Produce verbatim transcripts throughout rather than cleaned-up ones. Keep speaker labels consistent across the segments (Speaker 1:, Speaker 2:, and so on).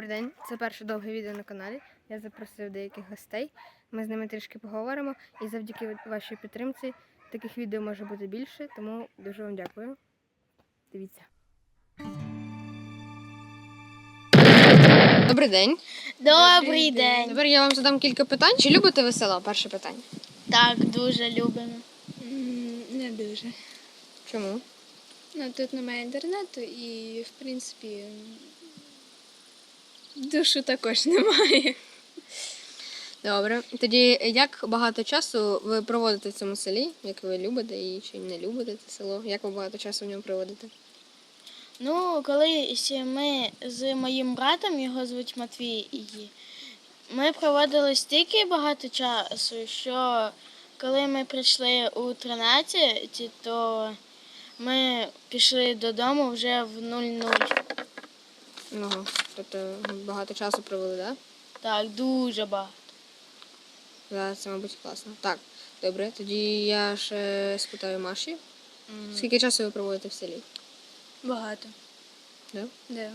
Speaker 1: Добрий день, це перше довге відео на каналі. Я запросив деяких гостей. Ми з ними трішки поговоримо. І завдяки вашій підтримці таких відео може бути більше, тому дуже вам дякую. Дивіться. Добрий день.
Speaker 2: Добрий день.
Speaker 1: Тепер я вам задам кілька питань. Чи любите ви село? Перше питання.
Speaker 2: Так, дуже любимо.
Speaker 3: Не дуже.
Speaker 1: Чому?
Speaker 3: Ну, тут немає інтернету і, в принципі, душу також немає.
Speaker 1: Добре. Тоді як багато часу ви проводите в цьому селі? Як ви любите і чи не любите це село? Як ви багато часу в ньому проводите?
Speaker 2: Ну, колись ми з моїм братом, його звуть Матвій, ми проводили стільки багато часу, що коли ми прийшли у тринадцять, то ми пішли додому вже в нуль-нуль.
Speaker 1: Ну, тобто багато часу провели, так? Да?
Speaker 2: Так, дуже багато.
Speaker 1: Да, це, мабуть, класно. Так, добре. Тоді я ще спитаю Маші. Mm. Скільки часу ви проводите в селі?
Speaker 3: Багато.
Speaker 1: Да?
Speaker 3: Да.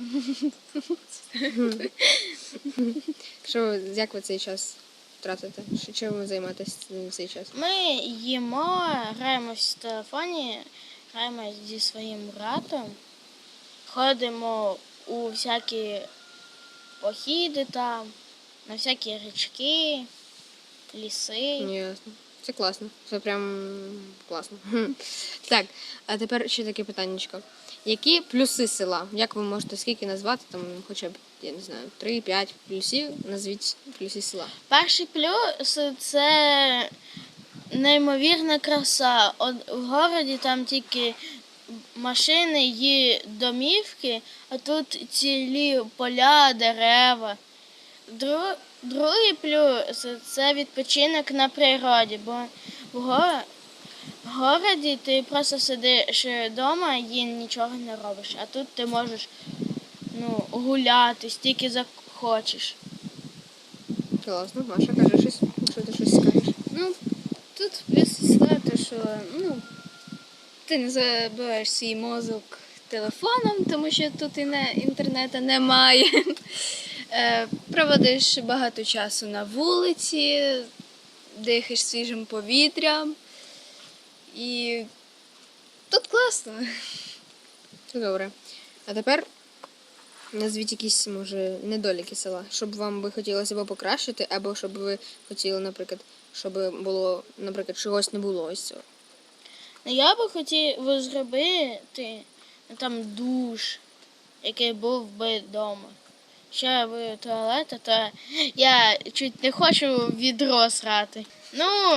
Speaker 1: Що, як ви цей час втратите? Чим ви займаєтесь в цей час?
Speaker 2: Ми їмо, граємо в телефоні, граємо зі своїм братом, ходимо у всякі походи там, на всякі річки, ліси.
Speaker 1: Ясно. Це класно. Це прям класно. Так, а тепер ще таке питаннячко. Які плюси села? Як ви можете скільки назвати, там хоча б, я не знаю, три-п'ять плюсів, назвіть плюси села.
Speaker 2: Перший плюс – це неймовірна краса. От в городі там тільки машини і домівки, а тут цілі поля, дерева. Дру- Другий плюс – це відпочинок на природі, бо в го- в городі ти просто сидиш вдома і нічого не робиш, а тут ти можеш ну, гуляти, стільки захочеш.
Speaker 1: Класно. Маша, кажи щось, якщо ти щось скажеш.
Speaker 3: Ну, тут плюс села, те, що ну, ти не забиваєш свій мозок телефоном, тому що тут і не, інтернету немає. Е, проводиш багато часу на вулиці, дихаєш свіжим повітрям. І тут класно.
Speaker 1: Це добре. А тепер назвіть якісь, може, недоліки села, щоб вам би хотілося або покращити, або щоб ви хотіли, наприклад, щоб було, наприклад, чогось не було ось цього.
Speaker 2: Ну, я би хотів зробити ну, там душ, який був би вдома. Ще в туалет, то я чуть не хочу в відро срати. Ну,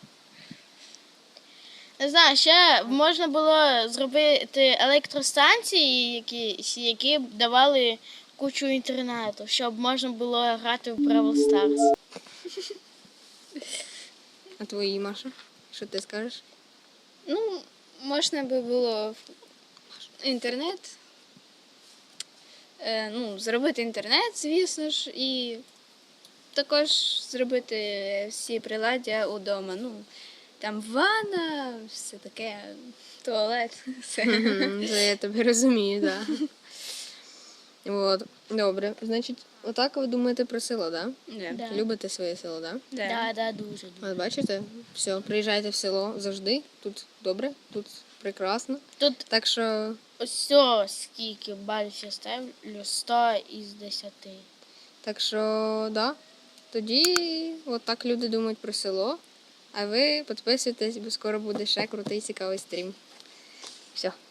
Speaker 2: не знаю, ще можна було зробити електростанції якісь, які б давали кучу інтернету, щоб можна було грати в Бравл Старс.
Speaker 1: А твої, Маша? Що ти скажеш?
Speaker 3: Ну, можна би було інтернет, е, ну, зробити інтернет, звісно ж, і також зробити всі приладдя удома. Ну, там ванна, все таке, туалет, все.
Speaker 1: Мгм, це я тебе розумію, так. Да. От, добре. Значить, отак ви думаєте про село, так?
Speaker 3: Да.
Speaker 2: Да.
Speaker 1: Любите своє село, так?
Speaker 3: Да.
Speaker 2: Да, да, дуже.
Speaker 1: От бачите, все, приїжджайте в село завжди. Тут добре, тут прекрасно.
Speaker 2: Тут
Speaker 1: Так що
Speaker 2: ось скільки балів я ставлю, сто із десяти.
Speaker 1: Так що, да. Тоді от так люди думають про село. А ви підписуйтесь, бо скоро буде ще крутий цікавий стрім. Все.